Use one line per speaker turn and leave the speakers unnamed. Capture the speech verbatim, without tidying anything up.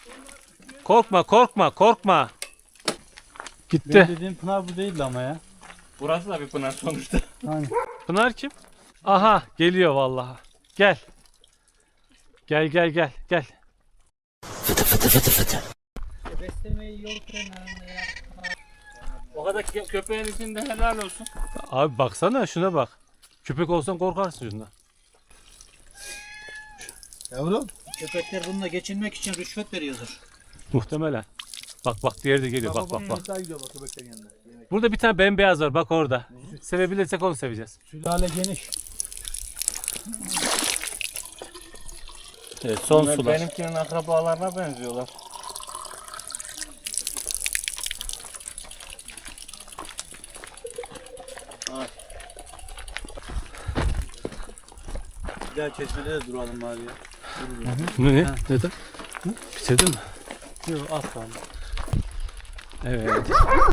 Korkma korkma korkma. Gitti.
Benim dediğim Pınar bu değildi ama ya.
Burası da bir pınar sonuçta.
Hani.
Pınar kim? Aha geliyor vallahi. Gel. Gel gel gel gel.
Beslemeyi yol frenlerinde ya.
O kadar kö- köpeğin içinde helal olsun.
Abi baksana şuna bak. Köpek olsan korkarsın şundan.
Yavrum.
Köpekler bununla geçinmek için rüşvet veriyordur.
Muhtemelen. Bak bak diğeri de geliyor bak bak bak.
Daha gidiyor bak köpeklerin yanında.
Burada bir tane bembeyaz var bak orada. Sevebilirsek onu seveceğiz.
Sülale geniş.
Evet son
Bunlar
sular.
benimkinin akrabalarına benziyorlar.
Bir daha çeşmede de duralım bari ya.
Ne? ne? Neden? Bitirdin mi? Yok az kaldı. Evet.